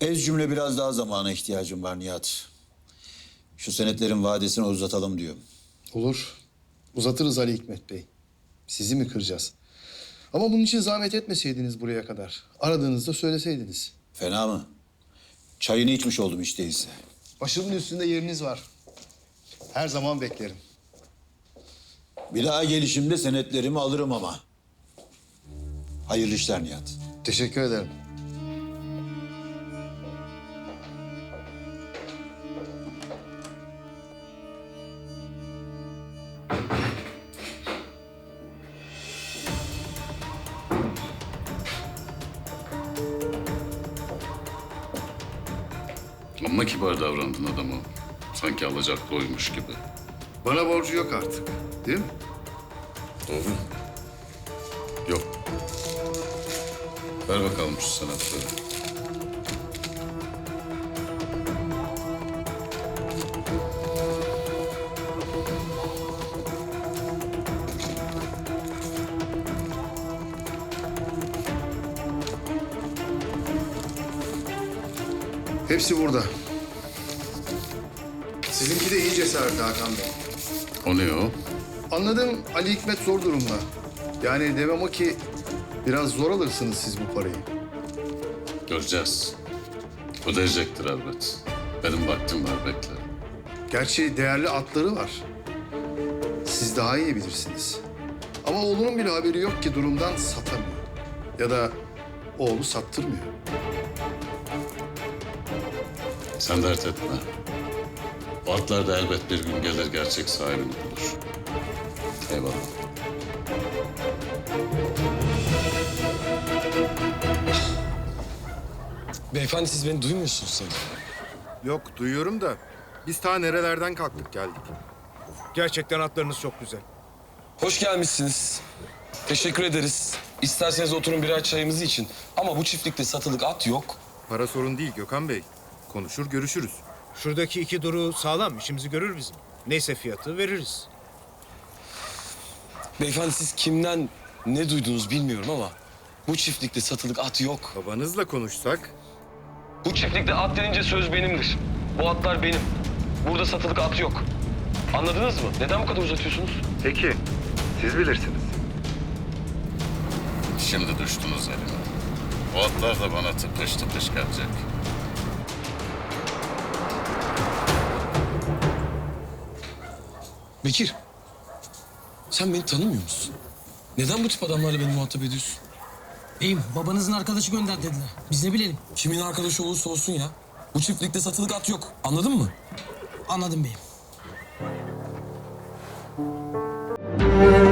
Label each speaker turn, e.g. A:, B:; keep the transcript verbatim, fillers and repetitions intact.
A: Ez cümle biraz daha zamana ihtiyacım var Nihat. Şu senetlerin vadesini uzatalım diyor.
B: Olur. Uzatırız Ali Hikmet Bey. Sizi mi kıracağız? Ama bunun için zahmet etmeseydiniz buraya kadar. Aradığınızda söyleseydiniz.
A: Fena mı? Çayını içmiş oldum hiç değilse.
B: Başımın üstünde yeriniz var. Her zaman beklerim.
A: Bir daha gelişimde senetlerimi alırım ama. Hayırlı işler Nihat.
B: Teşekkür ederim.
C: Amma kibar davrandın adama. Sanki alacaklı oymuş gibi.
B: Bana borcu yok artık. Değil mi?
C: Doğru. Yok. Ver bakalım şu senetleri.
B: Hepsi burada. Sizinki de iyi cesaret Hakan Bey.
C: O ne o?
B: Anladım, Ali Hikmet zor durumda. Yani demem o ki biraz zor alırsınız siz bu parayı.
C: Göreceğiz. Ödeyecektir elbet. Benim vaktim var, bekle.
B: Gerçi değerli atları var. Siz daha iyi bilirsiniz. Ama oğlunun bile haberi yok ki durumdan satamıyor. Ya da oğlu sattırmıyor.
C: Sen dert etme. O atlar da elbet bir gün gelir gerçek sahibini bulur. Eyvallah.
D: Beyefendi siz beni duymuyorsunuz sanırım.
E: Yok, duyuyorum da biz ta nerelerden kalktık geldik.
F: Gerçekten atlarınız çok güzel.
D: Hoş gelmişsiniz. Teşekkür ederiz. İsterseniz oturun birer çayımızı için. Ama bu çiftlikte satılık at yok.
E: Para sorun değil Gökhan Bey. Konuşur görüşürüz.
F: Şuradaki iki duru sağlam, işimizi görür bizim. Neyse fiyatı veririz.
D: Beyefendi siz kimden ne duydunuz bilmiyorum ama... bu çiftlikte satılık at yok.
E: Babanızla konuşsak
D: Bu çiftlikte at denince söz benimdir. Bu atlar benim. Burada satılık at yok. Anladınız mı? Neden bu kadar uzatıyorsunuz?
E: peki siz bilirsiniz.
C: Şimdi düştünüz elime. O atlar da bana tıpış tıpış gelecek.
D: Bekir. Sen beni tanımıyor musun? Neden bu tip adamlarla beni muhatap ediyorsun?
G: Beyim, babanızın arkadaşı gönder dediler. Biz ne bilelim.
D: Kimin arkadaşı olursa olsun ya. Bu çiftlikte satılık at yok. Anladın mı?
G: Anladım beyim.